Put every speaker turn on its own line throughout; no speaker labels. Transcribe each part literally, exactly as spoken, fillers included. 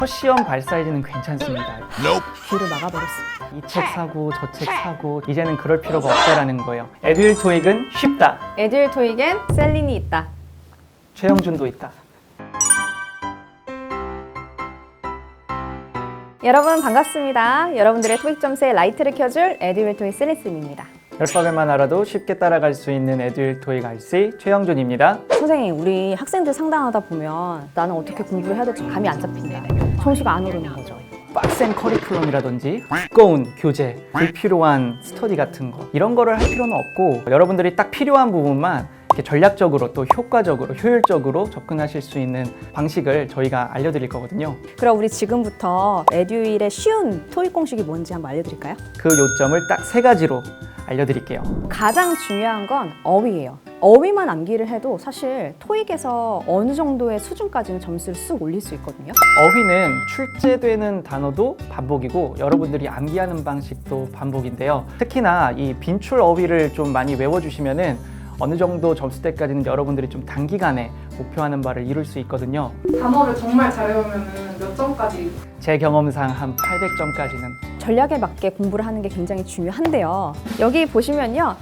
첫 시험 발 사이즈는 괜찮습니다.
귀를 막아버렸습니다.
이 책 사고 저 책 사고 이제는 그럴 필요가 없다라는 거예요. 에듀윌 토익은 쉽다.
에듀윌 토익엔 셀린이 있다.
최영준도 있다.
여러분 반갑습니다. 여러분들의 토익 점수에 라이트를 켜줄 에듀윌 토익 셀린쌤입니다.
열박을만 알아도 쉽게 따라갈 수 있는 에듀윌 토익 알씨 최영준입니다.
선생님, 우리 학생들 상담하다 보면 나는 어떻게 공부를 해야 될지 감이 안 잡힌다. 점수가 안 오르는 거죠.
빡센 커리큘럼이라든지 두꺼운 교재, 불필요한 스터디 같은 거 이런 거를 할 필요는 없고 여러분들이 딱 필요한 부분만 이렇게 전략적으로 또 효과적으로 효율적으로 접근하실 수 있는 방식을 저희가 알려드릴 거거든요.
그럼 우리 지금부터 에듀윌의 쉬운 토익 공식이 뭔지 한번 알려드릴까요?
그 요점을 딱 세 가지로 알려드릴게요.
가장 중요한 건 어휘예요. 어휘만 암기를 해도 사실 토익에서 어느 정도의 수준까지는 점수를 쓱 올릴 수 있거든요.
어휘는 출제되는 단어도 반복이고 여러분들이 암기하는 방식도 반복인데요. 특히나 이 빈출 어휘를 좀 많이 외워주시면은 어느 정도 점수대까지는 여러분들이 좀 단기간에 목표하는 바를 이룰 수 있거든요.
단어를 정말 잘 외우면 몇 점까지?
제 경험상 한 팔백 점까지는.
전략에 맞게 공부를 하는 게 굉장히 중요한데요. 여기 보시면요.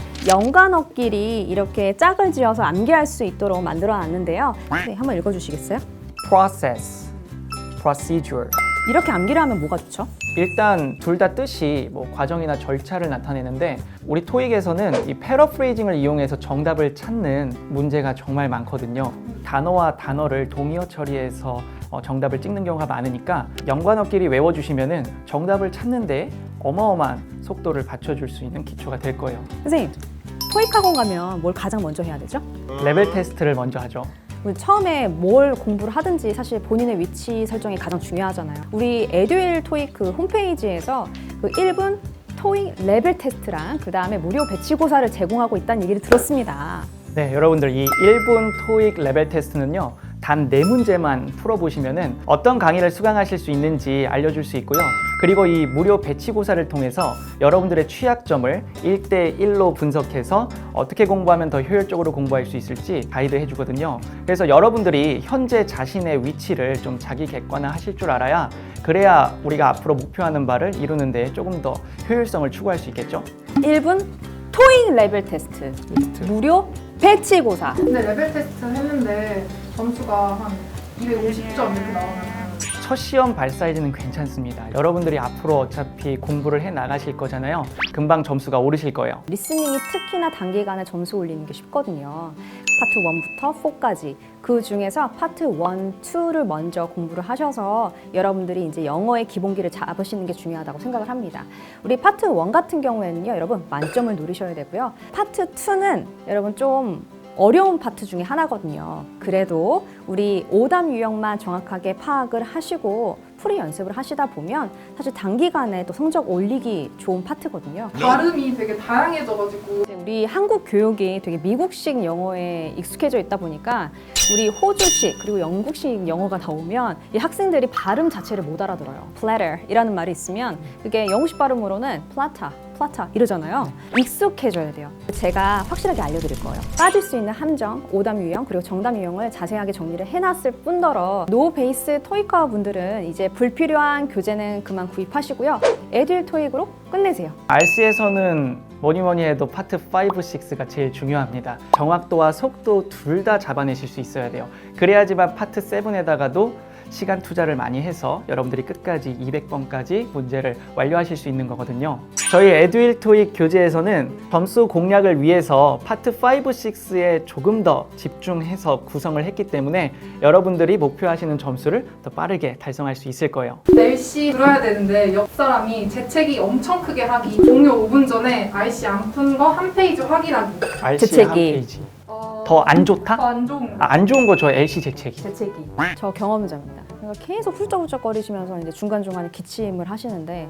연관어끼리 이렇게 짝을 지어서 암기할 수 있도록 만들어 놨는데요. 네, 한번 읽어주시겠어요?
process, procedure.
이렇게 암기를 하면 뭐가 좋죠?
일단 둘 다 뜻이 뭐 과정이나 절차를 나타내는데 우리 토익에서는 이 패러프레이징을 이용해서 정답을 찾는 문제가 정말 많거든요. 단어와 단어를 동의어 처리해서 어, 정답을 찍는 경우가 많으니까 연관어끼리 외워주시면은 정답을 찾는데 어마어마한 속도를 받쳐줄 수 있는 기초가 될 거예요.
선생님, 토익 학원 가면 뭘 가장 먼저 해야 되죠?
레벨 테스트를 먼저 하죠.
우리 처음에 뭘 공부를 하든지 사실 본인의 위치 설정이 가장 중요하잖아요. 우리 에듀윌 토익 그 홈페이지에서 그 일 분 토익 레벨 테스트랑 그 다음에 무료 배치고사를 제공하고 있다는 얘기를 들었습니다.
네, 여러분들 이 일 분 토익 레벨 테스트는요. 단 네 문제만 풀어보시면은 어떤 강의를 수강하실 수 있는지 알려줄 수 있고요. 그리고 이 무료 배치고사를 통해서 여러분들의 취약점을 일 대 일로 분석해서 어떻게 공부하면 더 효율적으로 공부할 수 있을지 가이드 해주거든요. 그래서 여러분들이 현재 자신의 위치를 좀 자기 객관화 하실 줄 알아야 그래야 우리가 앞으로 목표하는 바를 이루는 데 조금 더 효율성을 추구할 수 있겠죠.
일 분 토익 레벨 테스트, 무료 배치고사.
근데 레벨 테스트 했는데 점수가 한 이백오십 점 이렇게 나오면
첫 시험 발 사이즈는 괜찮습니다. 여러분들이 앞으로 어차피 공부를 해 나가실 거잖아요. 금방 점수가 오르실 거예요.
리스닝이 특히나 단기간에 점수 올리는 게 쉽거든요. 파트 일부터 사까지 그 중에서 파트 일, 이를 먼저 공부를 하셔서 여러분들이 이제 영어의 기본기를 잡으시는 게 중요하다고 생각을 합니다. 우리 파트 일 같은 경우에는요, 여러분 만점을 노리셔야 되고요. 파트 이는 여러분 좀 어려운 파트 중에 하나거든요. 그래도 우리 오답 유형만 정확하게 파악을 하시고 풀이 연습을 하시다 보면 사실 단기간에 또 성적 올리기 좋은 파트거든요.
발음이 되게 다양해져가지고
우리 한국 교육이 되게 미국식 영어에 익숙해져 있다 보니까 우리 호주식 그리고 영국식 영어가 나오면 이 학생들이 발음 자체를 못 알아들어요. platter 이라는 말이 있으면 그게 영국식 발음으로는 platter, platter 이러잖아요. 익숙해져야 돼요. 제가 확실하게 알려드릴 거예요. 빠질 수 있는 함정, 오답 유형 그리고 정답 유형을 자세하게 정리를 해놨을 뿐더러 노 베이스 토익과 분들은 이제 불필요한 교재는 그만 구입하시고요. 에듀윌 토익으로 끝내세요.
알씨에서는 뭐니 뭐니 해도 파트 오, 육가 제일 중요합니다. 정확도와 속도 둘 다 잡아내실 수 있어야 돼요. 그래야지만 파트 칠에다가도 시간 투자를 많이 해서 여러분들이 끝까지 이백 번까지 문제를 완료하실 수 있는 거거든요. 저희 에듀윌 토익 교재에서는 점수 공략을 위해서 파트 오, 육에 조금 더 집중해서 구성을 했기 때문에 여러분들이 목표하시는 점수를 더 빠르게 달성할 수 있을 거예요.
날씨 들어야 되는데 옆 사람이 재채기 엄청 크게 하기, 종료 오 분 전에 알씨 안 푼 거 한 페이지 확인하기.
알씨
재채기.
한 페이지.
어...
더 안 좋다?
더 안 좋은 거.
아, 안 좋은 거 저 엘씨 재채기.
재채기. 저 경험자입니다. 그러니까 계속 훌쩍훌쩍거리시면서 이제 중간중간에 기침을 하시는데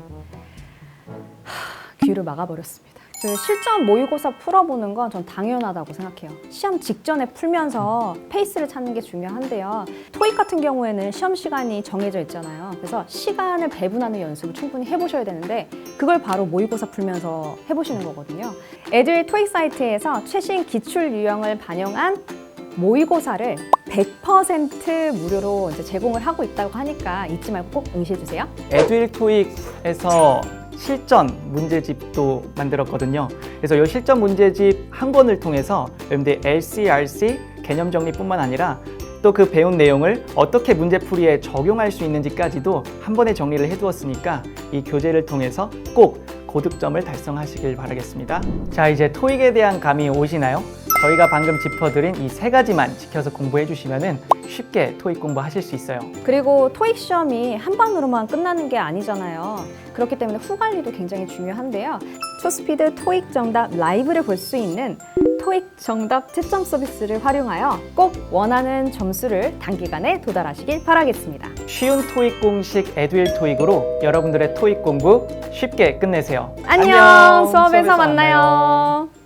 하, 귀를 막아버렸습니다. 그 실전 모의고사 풀어보는 건 전 당연하다고 생각해요. 시험 직전에 풀면서 페이스를 찾는 게 중요한데요. 토익 같은 경우에는 시험 시간이 정해져 있잖아요. 그래서 시간을 배분하는 연습을 충분히 해보셔야 되는데 그걸 바로 모의고사 풀면서 해보시는 거거든요. 에듀윌 토익 사이트에서 최신 기출 유형을 반영한 모의고사를 백 퍼센트 무료로 이제 제공을 하고 있다고 하니까 잊지 말고 꼭 응시해 주세요.
에듀윌 토익에서 실전 문제집도 만들었거든요. 그래서 이 실전 문제집 한 권을 통해서 여러분들 엘씨알씨 개념 정리뿐만 아니라 또 그 배운 내용을 어떻게 문제풀이에 적용할 수 있는지까지도 한 번에 정리를 해두었으니까 이 교재를 통해서 꼭 고득점을 달성하시길 바라겠습니다. 자, 이제 토익에 대한 감이 오시나요? 저희가 방금 짚어드린 이 세 가지만 지켜서 공부해 주시면 쉽게 토익 공부하실 수 있어요.
그리고 토익 시험이 한 방으로만 끝나는 게 아니잖아요. 그렇기 때문에 후 관리도 굉장히 중요한데요. 투스피드 토익 정답 라이브를 볼 수 있는 토익 정답 채점 서비스를 활용하여 꼭 원하는 점수를 단기간에 도달하시길 바라겠습니다.
쉬운 토익 공식 에듀윌 토익으로 여러분들의 토익 공부 쉽게 끝내세요.
안녕, 수업에서 만나요.